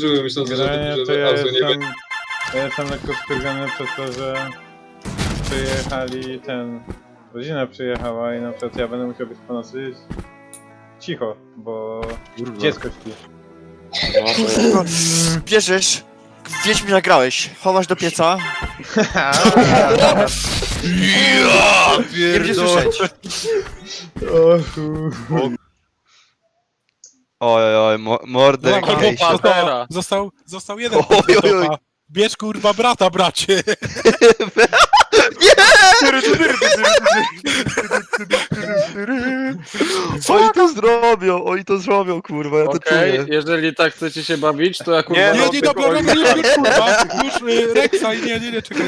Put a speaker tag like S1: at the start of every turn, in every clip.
S1: powtórzyły, myśląc, że
S2: Generalnie to
S1: Arzu nie będzie.
S2: ja jestem lekko wkurwiony przez to, że przyjechali rodzina przyjechała i na przykład ja będę musiał być po nocy cicho, bo dziecko śpi.
S3: Kurwa, bierzesz, wiedź mi nagrałeś, chowasz do pieca. Nie będzie słyszeć.
S4: Oj, Mordekaiser.
S5: Został jeden
S4: Oj, oj, oj.
S5: topa. Bierz kurwa brata, bracie!
S4: Oni to zrobią, kurwa, ja to
S6: Okej,
S4: czuję.
S6: jeżeli tak chcecie się bawić, to ja kurwa...
S5: Nie, dobra, już kurwa! Już Rexa i nie, czekaj.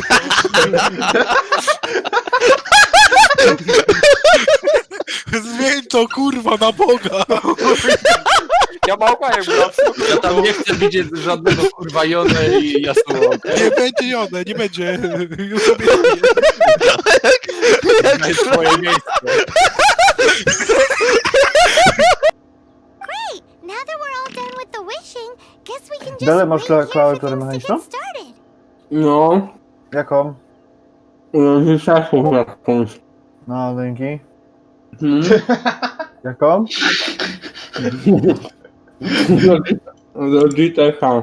S5: Zmień to kurwa na Boga!
S6: Ja małpajem ja tam nie chcę widzieć żadnego kurwa Jonę i Yasuo.
S5: Nie będzie Jone, nie będzie. Już sobie
S6: Znajdź swoje miejsce.
S7: Now that we're all done with the wishing, guess we can just
S8: Dalej masz
S7: wait here
S8: klawiaturę
S7: for things to
S8: mechaniczną?
S7: get started.
S6: No,
S8: Jaką?
S6: wystarczy jakąś.
S8: No, dzięki. Jaką?
S6: Do GTH.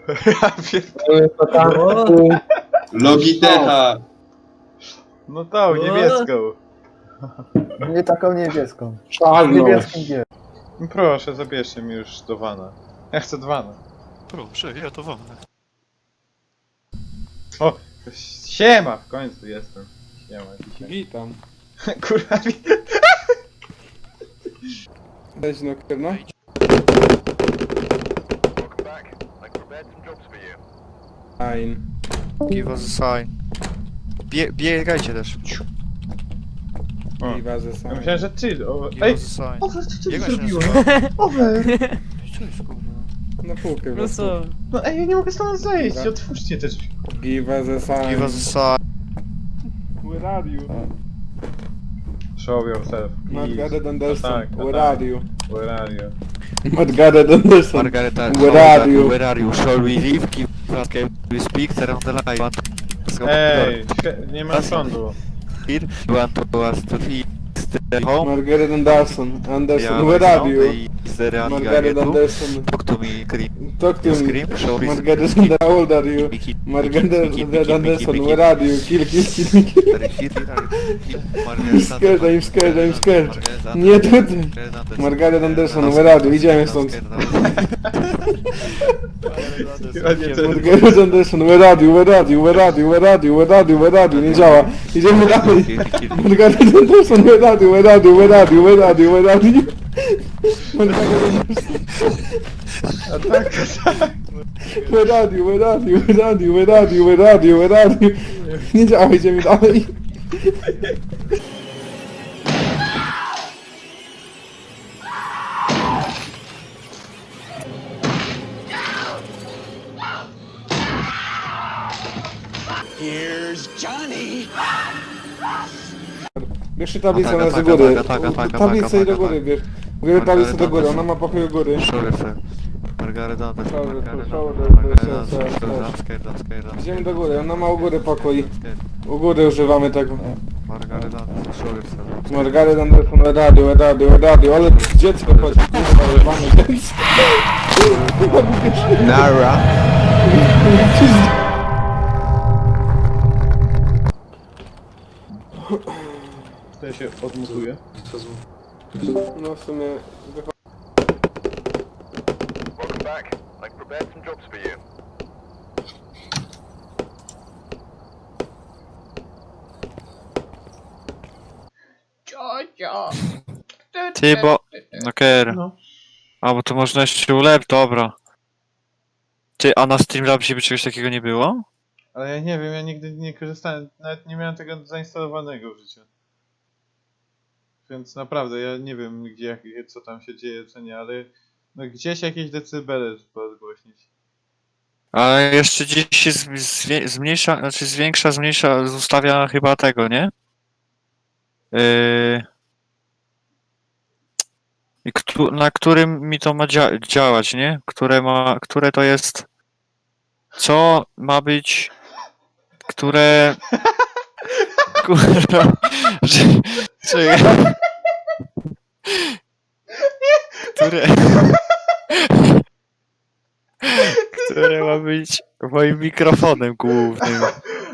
S1: Logitecha!
S2: No tą, niebieską.
S8: Nie taką niebieską.
S6: Czarną.
S8: Niebieskim G.
S2: No proszę, zabierzcie mi już do wana. Ja chcę dwana.
S5: Proszę, ja to wolę.
S2: O! Siema! W końcu jestem. Siema dzisiaj.
S6: Witam.
S2: Kurwa,
S6: Weź no kurwa. Fine.
S3: Give us a sign. Biegajcie też.
S2: O.
S6: Giva ze
S2: ja
S6: sam.
S2: myślałem, że ty... O,
S3: Give
S2: ej!
S3: us a sign.
S2: Over, co ty
S3: Biegaj się
S2: zrobiła?
S3: nazywa.
S2: Over!
S3: Co jest kurwa?
S6: Na półkę
S9: No
S6: wreszcie.
S9: co?
S2: No ej, ja nie mogę stąd zejść,
S6: Dobra.
S2: otwórzcie te drzwi.
S6: Giva ze sam.
S3: Give us a sign.
S6: Where are you?
S2: Show yourself, please.
S6: Margaret Anderson.
S2: tak, no
S6: Where
S2: tak.
S6: are you?
S2: Where are you?
S6: Margaret Anderson.
S3: Margareta,
S6: Where are you?
S3: Where are you? Shall we leave? Give us we speak around the line.
S2: Ej, nie ma sądu.
S3: Here, you want to us to stay home?
S6: Margaret Anderson. Anderson.
S3: Yeah,
S6: Where are you?
S3: Is there any
S6: Margaret
S3: guy
S6: Anderson.
S3: Talk to me, Cream.
S6: Talk to
S3: You
S6: me.
S3: scream, show me.
S6: Margaret Anderson. How old are you? Margaret Anderson. Where are you? Kill. I'm scared, I'm scared, I'm scared. Nie tutaj. Margaret Anderson, where are you? Idziemy stąd. Margaret Anderson, where are you? Where are you? Where are you? Where are you? Where are you? Where are you? Nie działa. Idziemy dalej. Margaret Anderson, where are you? Where are you? Where are you? Where are you? Where are you? Margaret Anderson.
S2: A tak, tak.
S6: Where are you? Where are you? Where are you? Where are you? Where are you? Where are you? Nie działa, idziemy dalej. Bierz tablicę na z góry. Tablicę i do góry bierz. Bierz tablicę do góry, ona ma pokój u góry.
S3: Margaret Anderson.
S6: Idziemy do góry, ona ma u góry pokój. U góry używamy tego.
S3: Margaret Anderson, show yourself.
S6: Margaret Anderson, radio, ale dziecko chodzi, kurwa, używamy dziecko.
S4: Nara.
S2: To ja się odmutuję.
S6: No w sumie...
S3: Ty, bo... No Ker.
S2: No.
S3: A, bo to można jeszcze ulep, dobra. Ty, a na Streamlabsie by czegoś takiego nie było?
S2: Ale ja nie wiem, ja nigdy nie korzystałem, nawet nie miałem tego zainstalowanego w życiu. Więc naprawdę, ja nie wiem gdzie, co tam się dzieje, co nie, ale no gdzieś jakieś decybele trzeba odgłośnić.
S3: Ale jeszcze gdzieś się zmniejsza, znaczy zwiększa, zmniejsza, ustawia chyba tego, nie? I na którym mi to ma działać, nie? Które to jest... Co ma być... Które... Kurwa... Czy... Które... Które ma być moim mikrofonem głównym.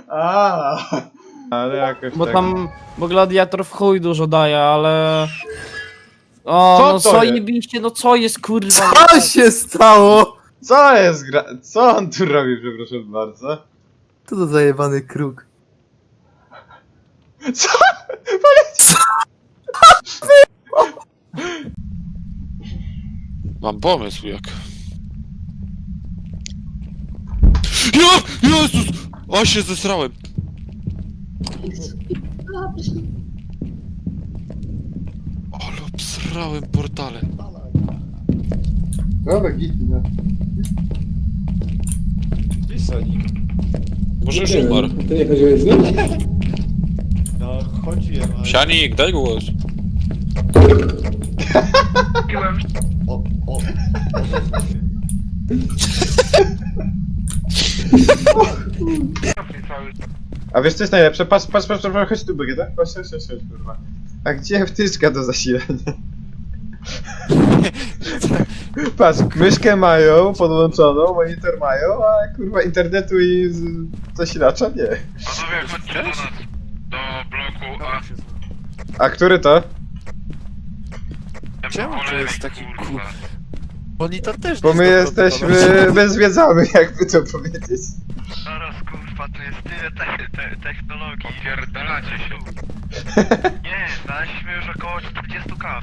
S2: Ale jakoś
S1: Bo
S2: tak...
S1: tam, bo gladiator w chuj dużo daje, ale... O,
S2: Co
S1: no
S2: to
S1: co
S2: jest?
S1: jebiście, no co jest kurwa?
S8: Co się stało?
S2: Co jest Co on tu robi, przepraszam bardzo?
S8: Co to za jebany kruk?
S2: Co?
S5: Mam pomysł jak. Ja! Jezus! O, się zesrałem! Ale obsrałem portale.
S6: Dobra, git, no.
S5: Może już umarł.
S6: Ty nie chodziłeś z nim?
S5: Sianik, daj głos.
S2: A wiesz co jest najlepsze? Patrz, chodź tu Bagieta. Chodź, kurwa. A gdzie wtyczka do zasilania? Patrz, myszkę mają podłączoną, monitor mają, a kurwa internetu i zasilacza nie.
S9: Panowie, chodźcie do nas, do bloku A.
S2: A który to?
S4: Czemu to jest taki
S9: kurwa?
S4: Monitor też
S2: Bo
S4: nie
S2: my
S4: jest do
S2: jesteśmy,
S4: kontrolowania.
S2: my zwiedzamy, jakby to powiedzieć.
S9: Zaraz kurwa, to jest tyle technologii. Pierdolacie się. Nie, znaleźliśmy już około 40 kaw.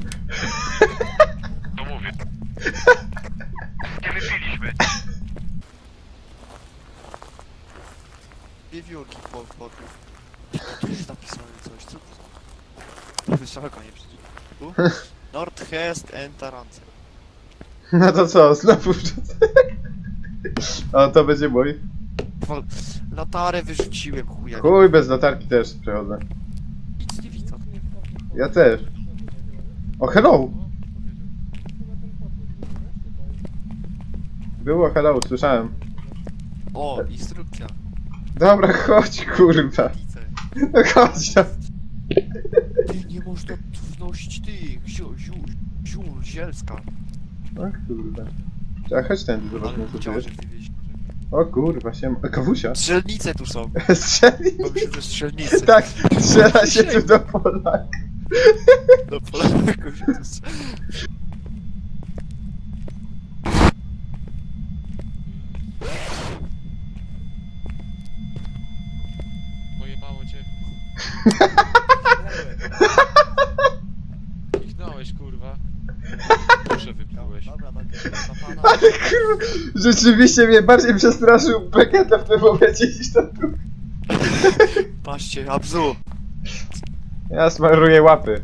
S9: To mówię. Nie wypiliśmy.
S4: Wiewiórki po tu jest napisane coś, co to? Wysoko nie przecież. Tu? Nordhest and Tarance.
S2: No to co, znowu O, to będzie mój.
S4: Latarę wyrzuciłem, chuja.
S2: Chuj, bez latarki też przechodzę.
S4: Nic nie widzę.
S2: Ja też. O, hello! Było hello, słyszałem.
S4: O, instrukcja.
S2: Dobra, chodź, kurwa.
S4: Widzę.
S2: No chodź tam.
S4: Ty, nie można tu wnosić tych, ziół, zielska.
S2: O kurwa. A chodź tędy, zobaczmy
S4: Ale
S2: co tu
S4: chciałem,
S2: jest.
S4: że ty wiesz.
S2: O kurwa, się... Kawusia.
S4: Strzelnice tu są.
S2: Strzeli?
S4: To myślę, że strzelnice.
S2: Tak, strzela się tu do pola.
S4: Do Polaków się tu strzela.
S5: Pojebało cię. Kichnąłeś, kurwa. Proszę wyplułeś.
S4: Dobra, na pana.
S2: Ale kurwa, rzeczywiście mnie bardziej przestraszył Beketa w tym momencie niż to tu.
S4: Patrzcie, Abzu.
S2: Ja smaruję łapy.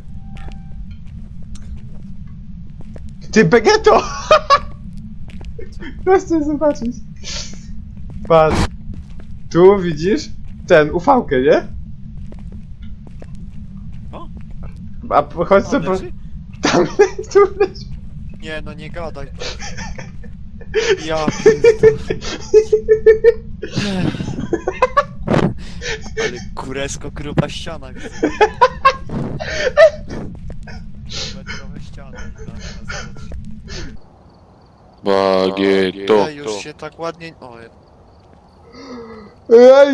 S2: Ty Begeto! Chcę zobaczyć. Patrz. Tu widzisz? Ten, ufałkę, nie?
S4: O?
S2: A chodź
S4: Tam
S2: sobie...
S4: leży?
S2: Tam, tu leży.
S4: Nie, no nie gadaj. Ja pierdolę. Ale kuresko gruba ściana widzę. Metrowe ściany.
S5: Bagieto.
S4: Ej, już się tak ładnie... O,
S2: Ej!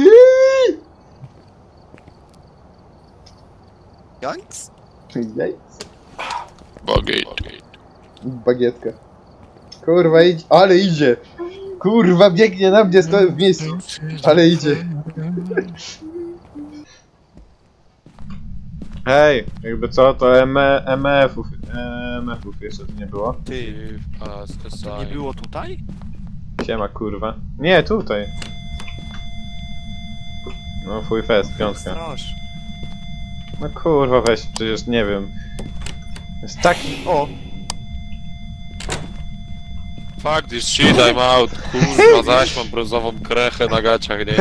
S4: Janks?
S2: Jaj.
S5: Bagieto.
S2: Bagietka. Kurwa idzie, ale idzie! Kurwa biegnie na mnie, stoję w miejscu. Ale idzie. Hej, jakby co, to MF-ów jeszcze tu nie było.
S4: Ty, to nie było tutaj?
S2: Siema kurwa. Nie, tutaj. No fuj fest, piątka.
S4: Straż.
S2: No kurwa weź, przecież nie wiem. Jest taki... O!
S5: Fuck this shit, I'm out. Kurwa, zaś mam brązową krechę na gaciach, nie?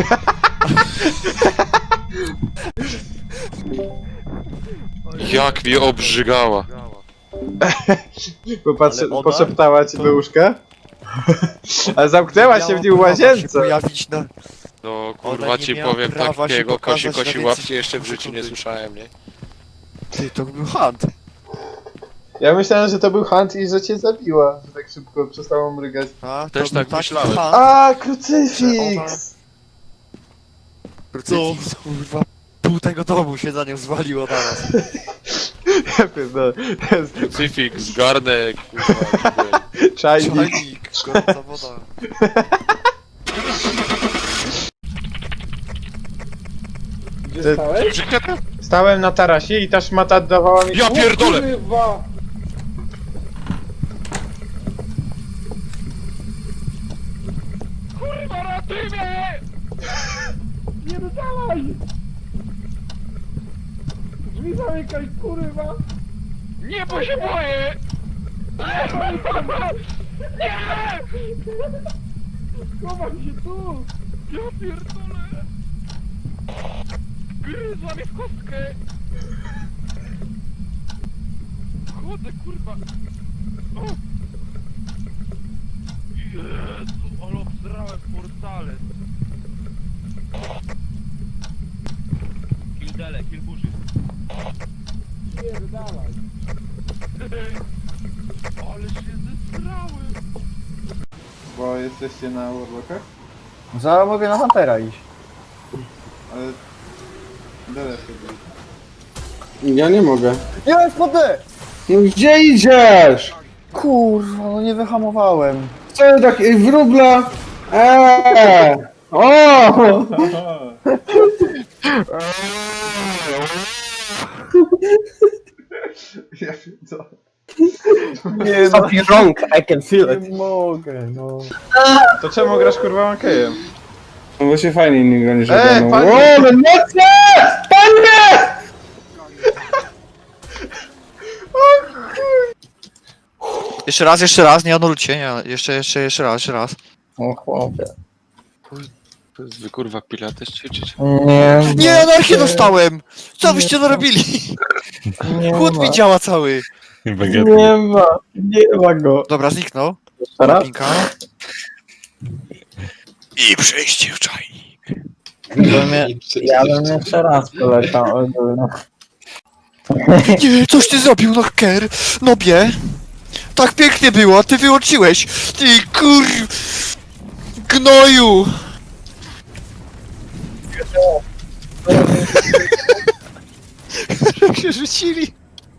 S5: Jak mnie obrzygała.
S2: Popatrzę,
S4: Ale ona
S2: poszeptała ci
S4: to-
S2: do łóżka? A zamknęła się w nim w
S4: Miała prawa się
S2: łazience!
S4: pojawić na...
S5: No
S4: Ona
S5: kurwa
S4: nie
S5: ci
S4: miała
S5: powiem
S4: prawa się
S5: takiego
S4: pokazać
S5: kosi
S4: na więcej
S5: łapcie jeszcze w życiu nie
S4: sekundy.
S5: słyszałem, nie?
S4: Ty, to był hunt.
S2: Ja myślałem, że to był Hunt i że cię zabiła, że tak szybko przestało mrygać.
S4: A,
S5: Też
S4: to był
S5: tak
S4: taki
S5: myślałem.
S4: hunt.
S2: A, krucyfiks!
S4: Krucyfiks, kurwa, pół tego domu się za nią zwaliło teraz.
S2: Ja pierdolę.
S5: Crucifix, garnek, kurwa.
S2: Czajnik.
S4: Czajnik, gorąca woda.
S6: Gdzie stałeś?
S2: Stałem na tarasie i ta szmata dawała mi...
S5: Ja pierdolę!
S6: Kurwa!
S9: Kurwa, ratuj mnie!
S6: Nie dodawaj! Drzwi zamykaj, kurwa!
S9: Nie, bo się boję! Nie!
S6: Chowam się tu!
S9: Ja pierdolę! Gryzła mnie w kostkę! Chodzę, kurwa! O! Jezu, ale obsrałem portale! Kildele, kilburzy!
S6: Pierdalaj!
S9: Ale się zesrałem!
S2: Bo jesteście na Warlockach?
S1: Zaraz mogę na Huntera iść.
S2: Ale... Dele sobie.
S6: Ja nie mogę.
S1: Jest podę!
S6: No gdzie idziesz?
S1: Kurwa, no nie wyhamowałem.
S6: Co tak wróbla? O!
S2: Ja pierdolę.
S1: Nie, something wrong, I can feel it. Nie mogę, no.
S2: To czemu grasz kurwa Mankejem?
S6: No bo się fajnie nigdy nie
S2: Ej,
S6: żegano.
S2: panie!
S6: O, no mocne! Panie!
S4: Jeszcze raz, nie anulcie, nie, jeszcze raz.
S1: O chłopie.
S5: Wy kurwa pilates ćwiczyć?
S1: Nie,
S4: Nie, anarchię dostałem! Co byście narobili? Chód mi działa cały.
S1: nie ma go.
S4: Dobra, zniknął.
S1: Teraz?
S4: Pinka. I przejście w czajnik.
S1: Ja bym jeszcze raz poleciał.
S4: Nie, coś ty zrobił, no ker, nobie. Tak pięknie było, a ty wyłączyłeś. Ty kur... Gnoju. Jak się rzucili.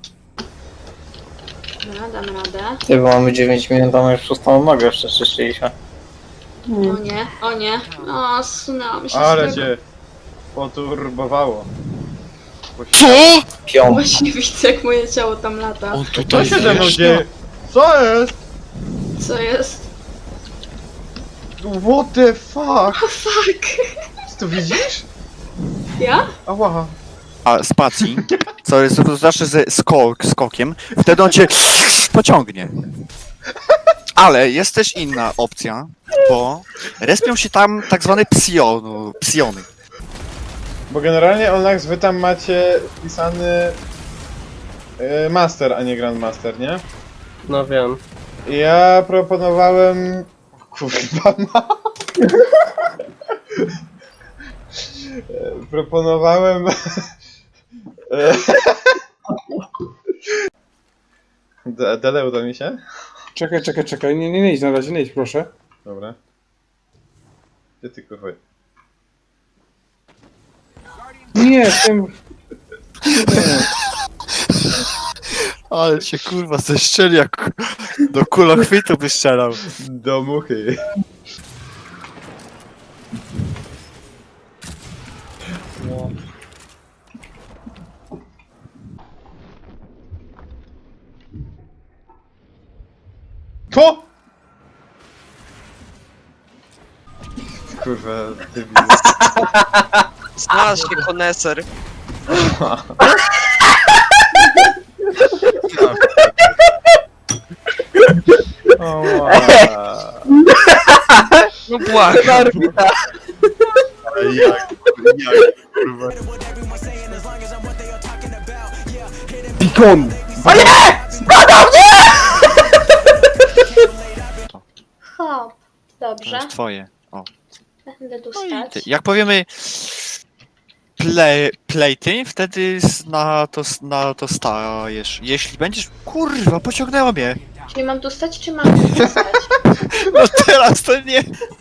S7: No, dam radę.
S1: Ty, bo mamy 9 minut, a my już szóstą nogę jeszcze czyszczyliśmy.
S7: O nie, o nie. O, zsunęłam się
S2: Ale
S7: z tego.
S2: cię poturbowało.
S4: Co?
S1: Piąt.
S7: Właśnie widzę, jak moje ciało tam lata.
S4: On
S2: Co
S4: tutaj
S2: się ze mną
S4: wjeżdża.
S2: dzieje? Co jest?
S7: Co jest?
S2: What the fuck?
S7: O, fuck.
S2: Ty to widzisz?
S7: Ja?
S2: Ała.
S4: A spacji, co jest to zawsze ze skokiem, wtedy on cię pociągnie. Ale jest też inna opcja, bo respią się tam tak zwane psiony.
S2: Bo generalnie Olnax wy tam macie wpisany Master, a nie Grandmaster, nie?
S1: No wiem.
S2: I ja proponowałem... Kurwa ma... Proponowałem... Dele, uda mi się?
S6: Czekaj, nie idź na razie, nie idź proszę.
S2: Dobra. Gdzie ty kurwa?
S6: Nie, tym...
S4: Ale się kurwa zeszczeli jak do kulochwytu by strzelał.
S2: Do muchy. To! Kurwa, debil.
S10: Znalazł się koneser. No błagam.
S6: Beacon!
S10: Hop.
S4: To
S10: Dobrze.
S4: jest twoje. O.
S10: Będę tu
S4: No i ty,
S10: stać.
S4: jak powiemy plejty, wtedy na to stajesz. Jeśli będziesz... Kurwa, pociągnęła mnie.
S10: Czyli mam tu stać, czy mam tu nie stać?
S4: No teraz to nie.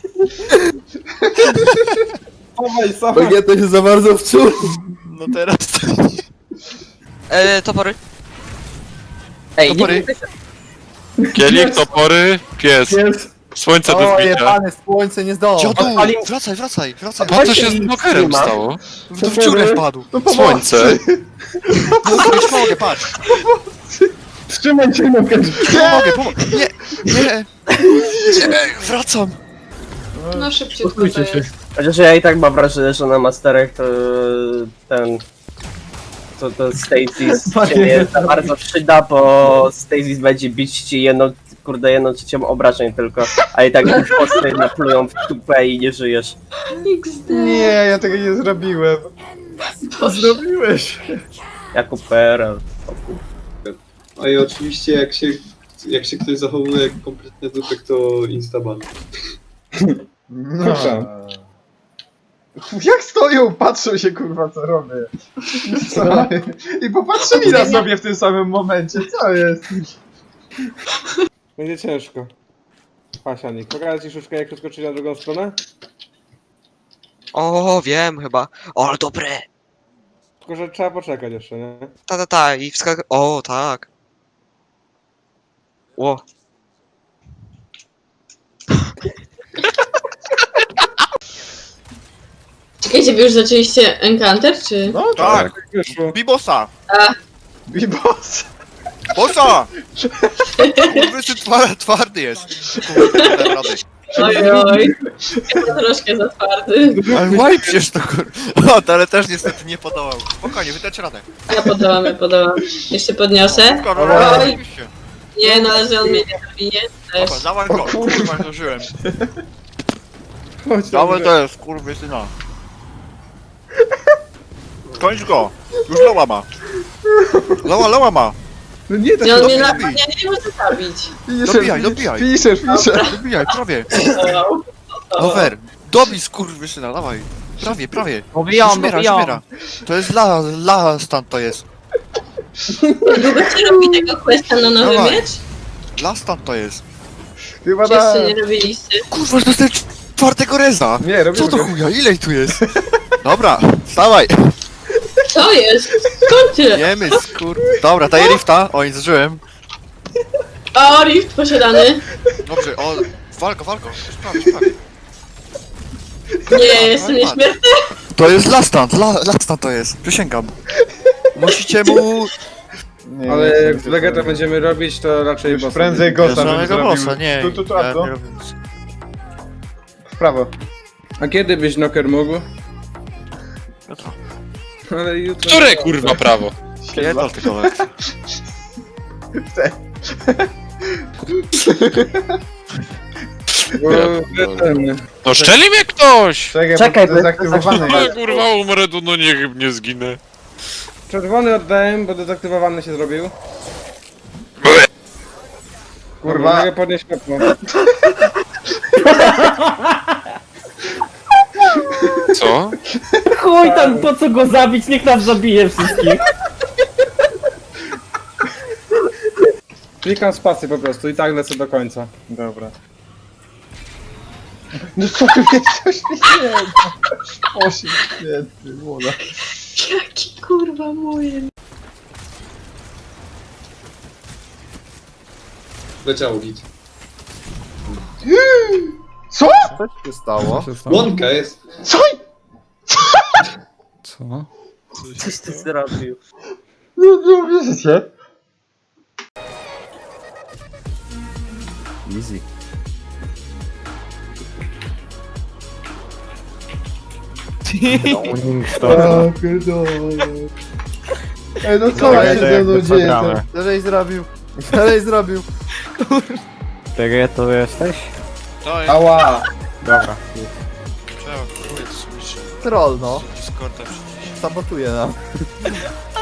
S8: Bagieta się za bardzo wczuł.
S4: No teraz to nie.
S11: Topory.
S4: Topory.
S5: Kielich, topory, pies. Słońce do
S8: O,
S5: zbicia.
S8: jebane słońce nie zdołało.
S4: Dziadu,
S8: Ale-
S4: wracaj.
S5: A co się z Nokerem stało?
S4: To w dziurę wpadł.
S5: Słońce.
S4: Już mogę, patrz.
S2: Trzymaj się, Noker!
S4: Pomogę. Nie. Wracam.
S10: No szybciutko to jest.
S11: Chociaż ja i tak mam wrażenie, że na masterach to ten... To Stasis się nie za bardzo przyda, bo Stasis będzie bić ci jedną trzecią obrażeń tylko, a i tak już posty naplują w tupę i nie żyjesz.
S10: XD.
S2: Nie, ja tego nie zrobiłem.
S8: Co zrobiłeś?
S11: Jako PRL.
S12: A i oczywiście jak się ktoś zachowuje jak kompletny dupek, to instaban.
S2: No. Jak stoją, patrzą się kurwa co robię. Co? I popatrzyli na sobie w tym samym momencie, co jest?
S6: Będzie ciężko. Pasianik, pokażę ci szuszkę jak przeskoczyć na drugą stronę?
S11: O, wiem chyba. O, ale dobre.
S6: Tylko, że trzeba poczekać jeszcze, nie?
S11: I wskak... O, tak. Ło.
S10: Czekajcie, wy już zaczęliście Encounter, czy?
S2: No
S4: Tak.
S6: Wyszło.
S4: Bibosa.
S2: Bibos!
S4: Bosa! Kurwy, twardy jest. Kurde, nie dam rady.
S10: Oj. Ja troszkę za twardy.
S4: Ale łajpiesz to kurwa. O, to ale też niestety nie podołał. Spokojnie, wydać radę.
S10: Ja podałam. Jeszcze podniosę. Oj. Nie, no ale że on mnie nie zabije też.
S4: Dobra, dawaj go. Kurwa, zdążyłem.
S6: Chodź,
S4: Dawaj to jest, kurwa, syna. Kończ go. Już loła ma. Loła ma.
S6: No nie, tak
S10: I on mnie
S4: dobij.
S10: napadnie, nie może zabić.
S4: Dobijaj.
S2: Piszesz.
S4: Dobijaj, prawie.
S10: Wow.
S4: Over. Dobij, skurwy, syna, dawaj. Prawie.
S1: Dobijam.
S4: Śmiera. To jest la stan to jest.
S10: Długo się robi tego questa na nowy
S4: Dawaj.
S10: miecz?
S4: La stan to jest.
S2: Chyba
S10: Czy
S2: tak.
S10: jeszcze nie robiliście?
S4: Kurwa, to jest ten czwartego reza.
S2: Nie, robimy
S4: Co do
S2: go.
S4: chuja, ile ich tu jest? Dobra, wstawaj.
S10: Co jest? Skąd tyle?
S4: Jemy, Dobra, daję lifta. O, nie zużyłem.
S10: O, rift posiadany.
S4: Dobrze, o, walko. Sprawie.
S10: Nie, jestem nieśmiertelny.
S4: To jest lastant to jest, przysięgam. Musicie mu...
S2: Nie,
S6: Ale
S2: nie,
S6: jak
S2: nie,
S6: z Vegeta będziemy robić, to raczej
S2: Już
S6: bossa.
S2: prędzej Gosa bym
S4: Samego
S2: zrobił.
S4: bossa, nie.
S2: Tu, a
S4: ja
S2: co?
S4: nie robię nic.
S2: W prawo.
S6: A kiedy byś Noker mógł?
S4: Jutro.
S6: Ale jutro...
S5: Które kurwa prawo?
S4: Pierdol tylko lekcję.
S6: Bo ten...
S5: No szczeli mnie ktoś!
S2: Czekaj, bo to dezaktywowany
S5: Ale
S2: jest.
S5: kurwa umrę tu, no niech nie zginę.
S6: Czerwony oddałem, bo dezaktywowany się zrobił.
S2: Kurwa.
S6: Mogę podnieść światło.
S5: Co?
S1: Chuj tam, po co go zabić, niech nas zabije wszystkich.
S6: Klikam spację po prostu i tak lecę do końca.
S2: Dobra. No co ty coś nie wiem. Osiem świetny, młoda.
S10: Jaki kurwa moje.
S12: Leciało git.
S2: Co?
S8: Co się stało?
S12: Łąka jest.
S2: Co?
S11: Coś ty zrobił.
S2: Nie uwierzycie.
S8: Easy.
S2: O, pierdolę. Ej, no co się ze mną dzieje?
S8: Dalej zrobił.
S1: Czekaj, to jesteś?
S4: To jest...
S2: Ała.
S1: Dobra.
S4: Trzeba, próbuję to sobie
S8: Troll, no.
S4: Discorda przycisnąć.
S8: Sabotuje nam.